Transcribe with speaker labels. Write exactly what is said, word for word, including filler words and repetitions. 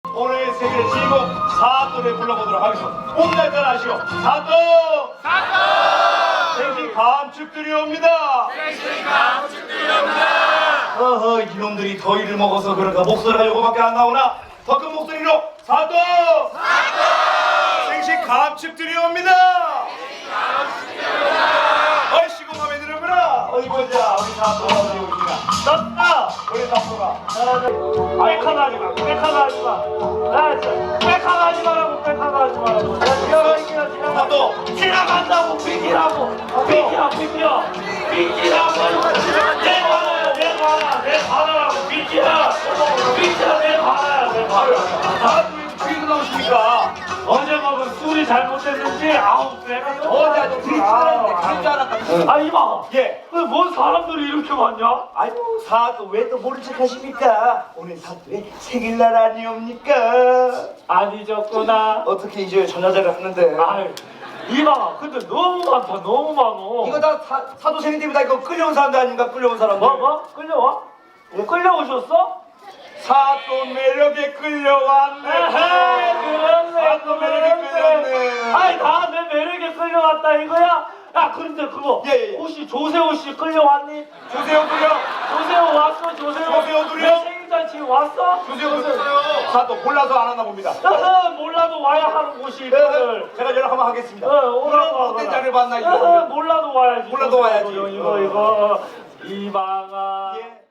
Speaker 1: 오늘 생일 주인공 사또를 불러보도록 하겠습니다. 오늘날 아시오? 사또! 사또! 생신 감축드리옵니다.
Speaker 2: 생신 감축드리옵니다.
Speaker 1: 어허, 이놈들이 더위를 먹어서 그런가 목소리가 요거밖에 안 나오나? 더 큰 목소리로 사또! 사또! 생신 감축드리옵니다. 생신 감축드리옵니다. 얼씨구 맘에 들어보라. 어이 보자, 우리 사또가 어디 오시나? 떴다! 우리 사또가.
Speaker 3: 백화가 하지 마, 백화가 하지 마. 나 진짜 백화가 하지 마라고, 백화가 하지 마라고. 야, 지나가기나 지나가.
Speaker 1: 사또!
Speaker 3: 지나간다고, 비키라고. 비키라, 비키라. 비키라고. 내 관아야, 내 관아, 내 관아라고. 비키라. 비키라, 내 관아야, 내 관아.
Speaker 1: 아, 왜 나오십니까?
Speaker 3: 어제 먹은 술이 잘못됐는지, 아우, 내가 너무.
Speaker 1: 어제 아주 드립치는데 그런 줄 알았다.
Speaker 3: 아, 이봐.
Speaker 1: 예.
Speaker 3: 왜뭔 사람들이 이렇게 많냐?
Speaker 1: 아이고 사또 왜 또 모른 척 하십니까? 오늘 사또의 생일날 아니옵니까?
Speaker 3: 안 잊었구나.
Speaker 1: 어떻게 잊어요? 전화자를 하는데.
Speaker 3: 아유, 이봐. 근데 너무 많다, 너무 많어.
Speaker 1: 이거 다 사, 사도 생일 때문에 다 이거 끌려온 사람들 아닌가? 끌려온 사람들.
Speaker 3: 뭐, 뭐? 끌려와? 뭐 끌려오셨어?
Speaker 1: 사또 매력에 끌려왔네.
Speaker 3: 에헤이, 그렇네,
Speaker 1: 사또 매력에 끌렸네.
Speaker 3: 아이, 나 내 매력에 끌려왔다, 이거야? 야, 그런데 그거.
Speaker 1: 예, 예, 예.
Speaker 3: 혹시 조세호 씨 끌려왔니?
Speaker 1: 조세호 끌려.
Speaker 3: 조세호 왔어, 조세호.
Speaker 1: 조세호 둘이요?
Speaker 3: 내 생일잔치 왔어?
Speaker 1: 조세호 끌려. 사또 몰라서 안 왔나 봅니다.
Speaker 3: 어허, 몰라도 와야 하는 곳이 있거든.
Speaker 1: 제가 연락 한번 하겠습니다.
Speaker 3: 어, 오라고
Speaker 1: 그럼 어떤
Speaker 3: 하거라.
Speaker 1: 자를 봤나
Speaker 3: 어허,
Speaker 1: 이거.
Speaker 3: 몰라도 와야지.
Speaker 1: 몰라도 와야지.
Speaker 3: 이거, 이거, 이거. 이방아.
Speaker 1: 예.